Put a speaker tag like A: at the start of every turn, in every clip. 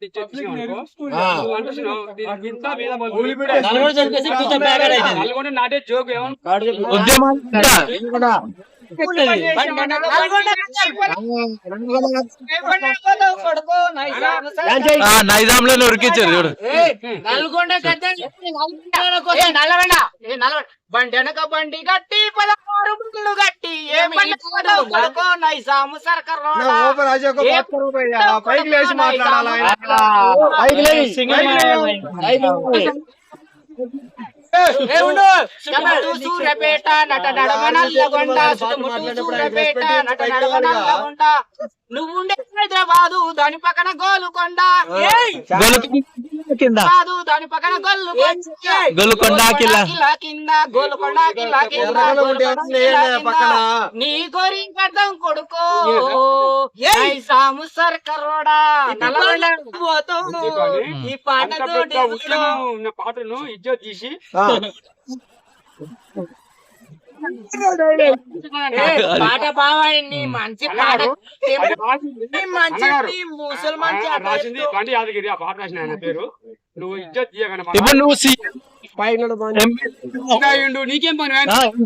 A: నాటే జోక్
B: నైజాంలో ఉరికిచ్చారు చూడు.
C: బండెనక బండి గట్టి 16 బండ్లు గట్టి ఏ కొడుకో నైజాము సర్కార్ సూర్యపేట నట నడమ నల్లగొండ సూర్యపేట నట నడమ నల్లగొండ నువ్వుండే హైదరాబాదు దాని పక్కన గోలుకొండ దాని పక్కన
B: గోలుకొండ
C: కింద గోలుకొండ నీ గోరి అర్థం కొడుకో సాము సర్కరోడా ఈ
A: పాటను ఇజ్జత్ తీసి
C: పాట బావాయండి మంచి పాట మంచి ముసల్మాన్
A: రాసింది పండి యాదగిరి ఆ పాట రాసిన ఆయన పేరు. నువ్వు ఇజ్జత్ తీయగానే నీకేం పని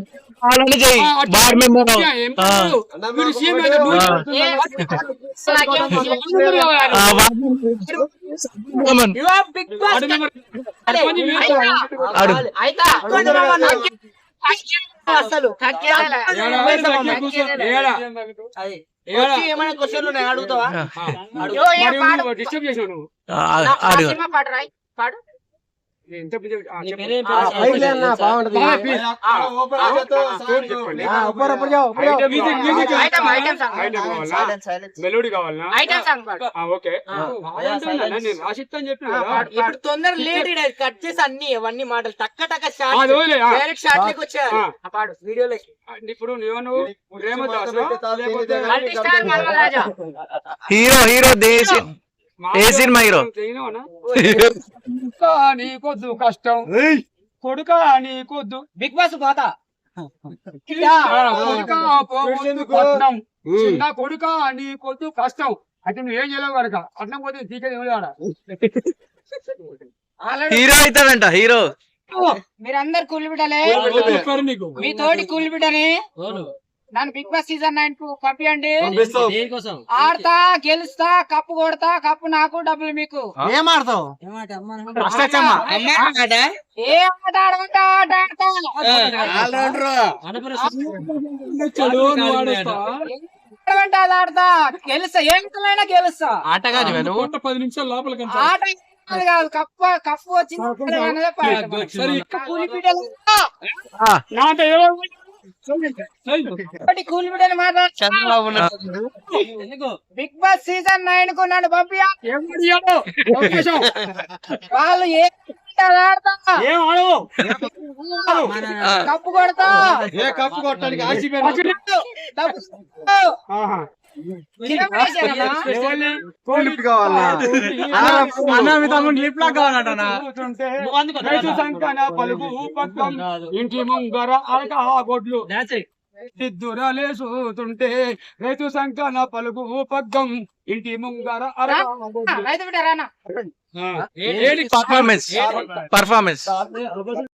C: అసలు ఏమైనా క్వశ్చన్లు ఉన్నాయి అడుగుతావా?
A: డిస్టర్బ్ చేసావు నువ్వు.
C: పాట రాయి పాడు.
A: మెలోడీ కావాలన్నా? ఓకే రాసిస్తా అని చెప్పిన
C: ఇప్పుడు తొందర లేట్ కట్ చేసి అన్ని అవన్నీ మాటలు టక్క టక్క డైరెక్ట్ షార్ట్ లేక వచ్చా పాడు వీడియోలోకి.
A: ఇప్పుడు నువ్వు
B: హీరో హీరో దేశీ ఏ సినిమా హీరో?
A: నీకొద్దు కష్టం కొడుక నీకొద్దు
C: బిగ్ బాస్ పోతా
A: చిన్న కొడుక నీకొద్దు కష్టం అయితే నువ్వేం చేయలేవు కనుక అట్నం పోతే తీకేది
B: హీరో అవుతాడంట హీరో.
C: మీరందరు కూలి బిడ్డలే, మీ తోటి కూలి బిడ్డని నన్ను బిగ్ బాస్ సీజన్ 9 కు పంపియండి. ఆడతా గెలుస్తా కప్పు కొడతా కప్పు నాకు డబ్బులు మీకు.
B: ఏం ఆడతావు?
C: ఏ ఆట ఆడమంటా ఆట ఆడమంటే అది ఆడతా గెలుస్తా ఏమైనా గెలుస్తా.
B: ఆటగాని
A: 10 నిమిషాలు లోపల
C: ఆట కాదు కప్పు వచ్చింది కూలి బిడ్డలు కూలి బిడ్డలు బిగ్ బాస్ సీజన్ 9 కు నన్ను పంపియా. వాళ్ళు ఏ ఆడతా కప్పు కొడతా
A: కప్పు కొట్టడానికి ఇంటి ముంగర గొడ్లు సిద్ధురలేసుతుంటే రైతు సంకన పలుగు పగ్గం ఇంటి ముంగర
B: పర్ఫార్మెన్స్